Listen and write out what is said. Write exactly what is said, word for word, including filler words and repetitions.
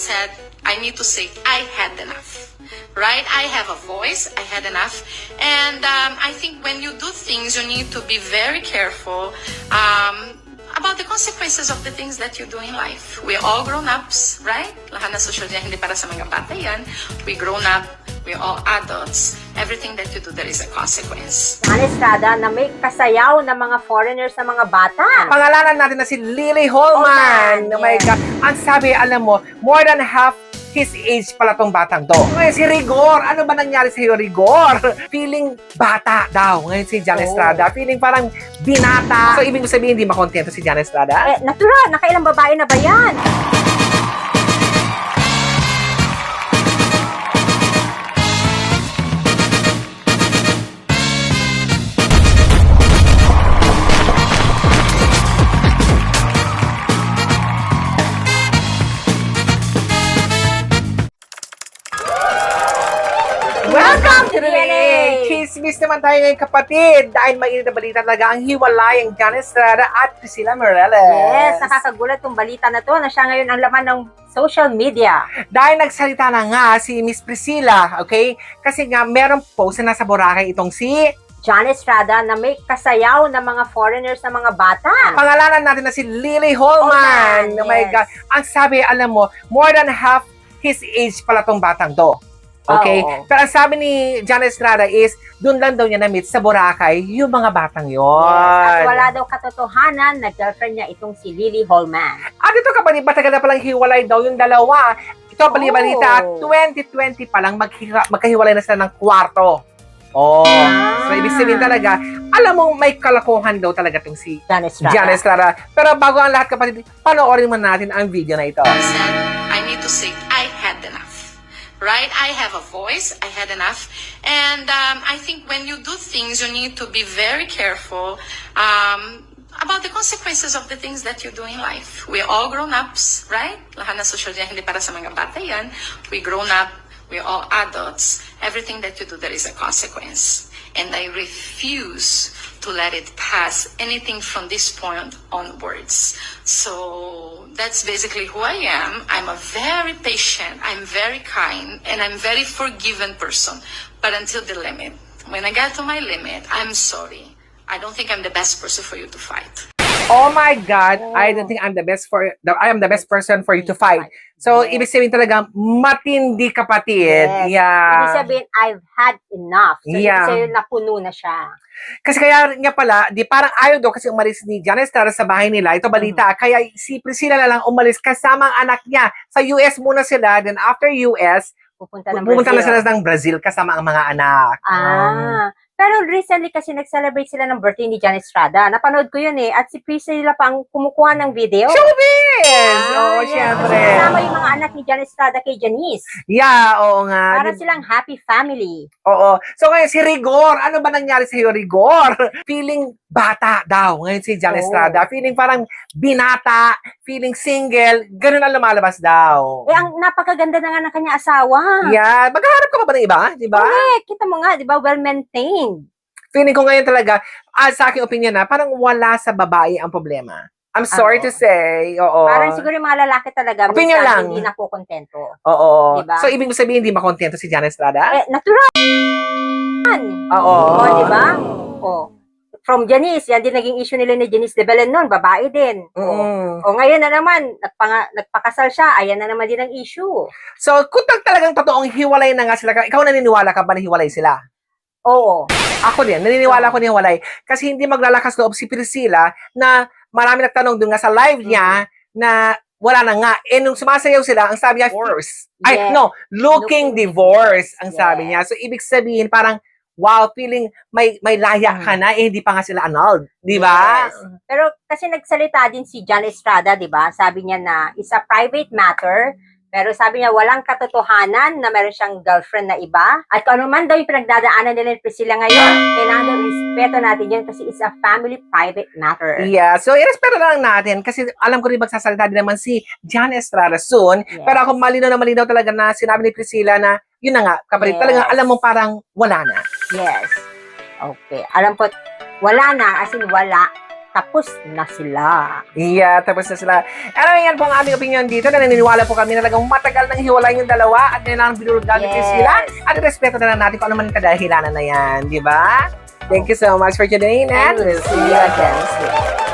said, I need to say, I had enough. Right? I have a voice. I had enough. And um, I think when you do things, you need to be very careful um, about the consequences of the things that you do in life. We're all grown-ups, right? Lahat na social media, hindi para sa mga bata yan. We grown up. We're all adults. Everything that you do, there is a consequence. Jana Estrada na may kasayaw ng mga foreigners na mga bata. Pangalanan natin na si Lily Holman. Holman, Oh my yes. God. Ang sabi, alam mo, more than half his age pala tong batang to. Ngayon si Rigor, ano ba nangyari sa iyo, Rigor? Feeling bata daw. Ngayon si Jana Oh. Estrada, feeling parang binata. So, ibig sabihin, hindi makontento si Jana Estrada? Eh, natural, nakailang babae na ba yan? Welcome to the D N A! Chismis naman tayo ngayon, kapatid. Dahil mainit na balita talaga ang hiwalay ang Jana Estrada at Priscilla Morales. Yes, nakakagulat tong balita na to na siya ngayon ang laman ng social media. Dahil nagsalita na nga si Miss Priscilla, okay? Kasi nga, merong post na nasa Boracay itong si... Jana Estrada na may kasayaw ng mga foreigners na mga bata. Pangalanan natin na si Lily Holman. Holman, Oh my yes. God. Ang sabi, alam mo, more than half his age pala tong batang to. Okay? Oo. Pero ang sabi ni Jana Estrada is, doon lang daw niya na-meet sa Boracay yung mga batang yon. Yes, at wala daw katotohanan na girlfriend niya itong si Lily Holman. At ito kapatid, matagal na palang hiwalay daw yung dalawa. Ito bali-balita, Oh. twenty twenty pa lang maghiwa- magkahiwalay na sila ng kwarto. Oh. Ah. So, ibig sabihin talaga, alam mo, may kalakuhan daw talaga itong si Jana Estrada. Jana Estrada. Pero bago ang lahat kapatid, panoorin mo natin ang video na ito. I said, I need to say, I had enough. Right? I have a voice. I had enough. And um, I think when you do things, you need to be very careful um, about the consequences of the things that you do in life. We're all grown-ups, right? Lahat na social media, hindi para sa mga bata yan. We grown up. We're all adults. Everything that you do, there is a consequence. And I refuse to let it pass anything from this point onwards. So that's basically who I am. I'm a very patient, I'm very kind, and I'm very forgiving person. But until the limit. When I get to my limit, I'm sorry. I don't think I'm the best person for you to fight. Oh my God, I don't think I'm the best for the, I am the best person for you to fight. So, Yes. ibig sabihin talaga, matindi kapatid. Yes. Yeah. Ibig sabihin, I've had enough. So, Yeah. ibig sabihin, napuno na siya. Kasi kaya nga pala, di parang ayaw daw kasi umalis ni Jana Estrada sa bahay nila. Ito balita. Kaya si Priscilla na lang umalis kasama ang anak niya. Sa U S muna sila. Then after U S, Pupunta ng pumunta na Brazil. sila ng Brazil kasama ang mga anak. Ah. Pero recently kasi nag-celebrate sila ng birthday ni Jana Estrada. Napanood ko yun eh. At si Priscilla pa ang kumukuha ng video. Showbiz! Oo, yes. syempre. Kasama yung mga anak ni Jana Estrada kay Janice. Yeah, oo nga. Para Di- silang happy family. Oo. So ngayon si Rigor, ano ba nangyari sa iyo, Rigor? Feeling bata daw. Ngayon si Jana Oh. Estrada, feeling parang binata, feeling single, ganun ang lumalabas daw. Eh, ang napakaganda na nga ng kanya asawa. Yeah, maghahanap ka pa ba ng iba? Di ba? Correct. Kita mo nga, di ba? Well-maintained. Feeling ko ngayon talaga, ah, sa aking opinion na, parang wala sa babae ang problema. I'm sorry Oo. to say. Oo. Parang siguro yung mga lalaki talaga, Opinion minsan lang. hindi na po kontento. Oo. Diba? So, ibig sabihin, hindi makontento si Jana Estrada? Eh, natural. Oo. O, di ba? O. From Janice, yan din naging issue nila ni Janice de Belen noon, babae din. O, Mm. o ngayon na naman, nagpanga, nagpakasal siya, ayan na naman din ang issue. So, kung tag- talagang totoong hiwalay na nga sila, ikaw naniniwala ka ba na hiwalay sila? Oo. Ako din, naniniwala ko na hiwalay. Kasi hindi maglalakas loob si Priscilla na marami nagtanong dun nga sa live niya na wala na nga. Eh, nung sumasayaw sila, ang sabi niya, divorce. Ay, Yes. no, looking Looking divorce, ang sabi Yes. niya. So, ibig sabihin, parang, wow, feeling may may laya ka na, eh, hindi pa nga sila annulled. Di ba? Yes. Pero kasi nagsalita din si Jana Estrada, di ba? Sabi niya na it's a private matter. Pero sabi niya, walang katotohanan na meron siyang girlfriend na iba. At kung ano man daw yung pinagdadaanan nila ni Priscilla ngayon, kailangan daw respeto natin yun kasi it's a family private matter. Yeah, so irespeto na lang natin kasi alam ko rin magsasalita din naman si Jana Estrada soon. Yes. Pero ako malinaw na malinaw talaga na sinabi ni Priscilla na yun na nga, kapatid, Yes. talagang alam mo parang wala na. Yes. Okay. Alam ko, wala na, as in wala. tapos na sila. Yeah, tapos na sila. Anyway, yan po ang aming opinion dito na naniniwala po kami na talagang matagal nang hiwalay yung dalawa at kailangan binulungan Yes. yes. sila at respeto na lang natin kung ano man ang kadahilanan na yan, di ba? Thank you so much for today, and And we'll see you again soon.